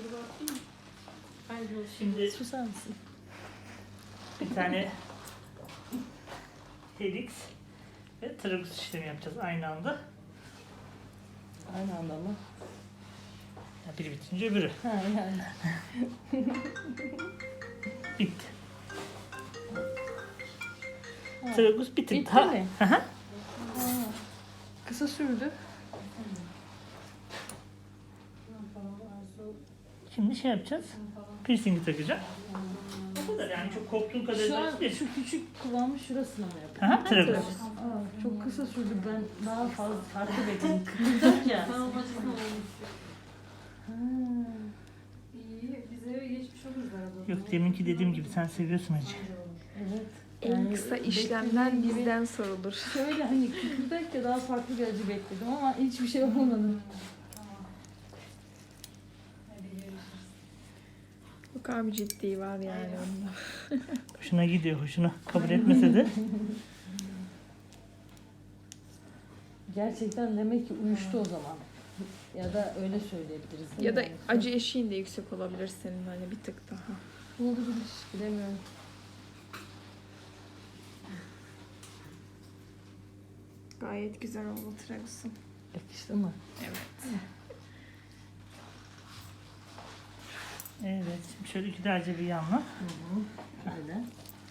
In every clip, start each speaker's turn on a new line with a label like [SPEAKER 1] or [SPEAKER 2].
[SPEAKER 1] Şimdi
[SPEAKER 2] Susar mısın?
[SPEAKER 1] bir tane helix ve tragus işlemi yapacağız aynı anda.
[SPEAKER 2] Aynı anda mı?
[SPEAKER 1] Ya biri bitince öbürü.
[SPEAKER 2] Ha yani.
[SPEAKER 1] Bitti.
[SPEAKER 2] Ha.
[SPEAKER 1] Tragus bir tık
[SPEAKER 2] Bitti
[SPEAKER 1] daha.
[SPEAKER 2] mi?
[SPEAKER 1] Hı hı.
[SPEAKER 2] Ha. Kısa sürdü.
[SPEAKER 1] Şimdi şey yapacağız. Piercing'i takacağım. O kadar yani çok korktuğun kadar
[SPEAKER 2] Şu an
[SPEAKER 1] değil.
[SPEAKER 2] şu küçük kulağımın şurasına mı yapıyor?
[SPEAKER 1] Hı hı, tragus.
[SPEAKER 2] Aa, çok kısa sürdü. Ben daha fazla farklı bekledim. Kıvırdak ya.
[SPEAKER 3] Tamam acısına olmuş.
[SPEAKER 2] Ha.
[SPEAKER 3] İyi, bize geçmiş oluruz arada.
[SPEAKER 1] Yok deminki dediğim gibi sen seviyorsun acı.
[SPEAKER 2] Evet.
[SPEAKER 4] En kısa işlemler
[SPEAKER 2] beklediğim gibi
[SPEAKER 4] bizden sorulur.
[SPEAKER 2] Şöyle hani kıvırdak ya daha farklı bir acı bekledim ama hiçbir şey olmadı.
[SPEAKER 3] Hadi görüşürüz.
[SPEAKER 4] Bu kadar bir ciddi var yani onda.
[SPEAKER 1] Hoşuna gidiyor, hoşuna. Kabul etmese de.
[SPEAKER 2] Gerçekten demek ki uyuştu o zaman. Ya da öyle söyleyebiliriz. değil
[SPEAKER 4] Ya
[SPEAKER 2] mi
[SPEAKER 4] da
[SPEAKER 2] yani?
[SPEAKER 4] acı eşiğin de yüksek olabilir senin hani bir tık daha.
[SPEAKER 2] Olabilir. Bilemiyorum.
[SPEAKER 4] Gayet güzel oldu Tragus'un.
[SPEAKER 2] Yakıştı mı?
[SPEAKER 4] Evet.
[SPEAKER 1] Evet, şimdi şöyle güzelce bir yanla.
[SPEAKER 2] Hı hı. Öyle.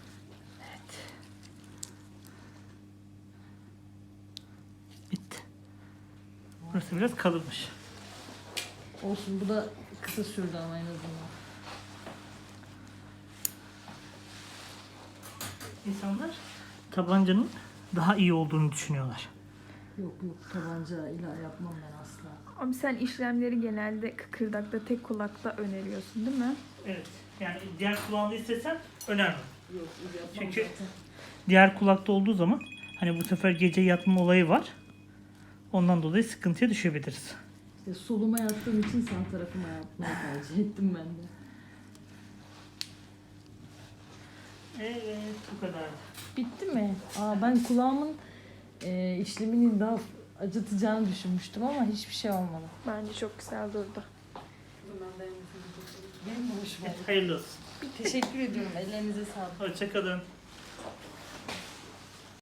[SPEAKER 1] Bitti. Burası biraz kalınmış.
[SPEAKER 2] Olsun bu da kısa sürdü ama en azından.
[SPEAKER 1] İnsanlar tabancanın daha iyi olduğunu düşünüyorlar.
[SPEAKER 2] Yok yok tabanca ile yapmam ben asla.
[SPEAKER 4] Ama sen işlemleri genelde kıkırdakta tek kulakta öneriyorsun değil mi?
[SPEAKER 1] Evet, yani diğer kulağında istesen önemli.
[SPEAKER 2] Yok yapmam
[SPEAKER 1] Çünkü-
[SPEAKER 2] zaten.
[SPEAKER 1] Diğer kulakta olduğu zaman hani bu sefer gece yatma olayı var. Ondan dolayı sıkıntıya düşebiliriz.
[SPEAKER 2] İşte soluma yattığım için sağ tarafıma yapmayı tercih ettim ben de.
[SPEAKER 1] Evet, bu kadar.
[SPEAKER 2] Bitti mi? Aa, ben kulağımın işlemini daha acıtacağını düşünmüştüm ama hiçbir şey olmadı.
[SPEAKER 4] Bence çok güzel durdu.
[SPEAKER 3] Bundan dayanmışsınız.
[SPEAKER 2] Benim hoşuma
[SPEAKER 1] Evet, hayırlı olsun.
[SPEAKER 2] Teşekkür ediyorum. Ellerinize sağlık.
[SPEAKER 1] Hoşça kalın.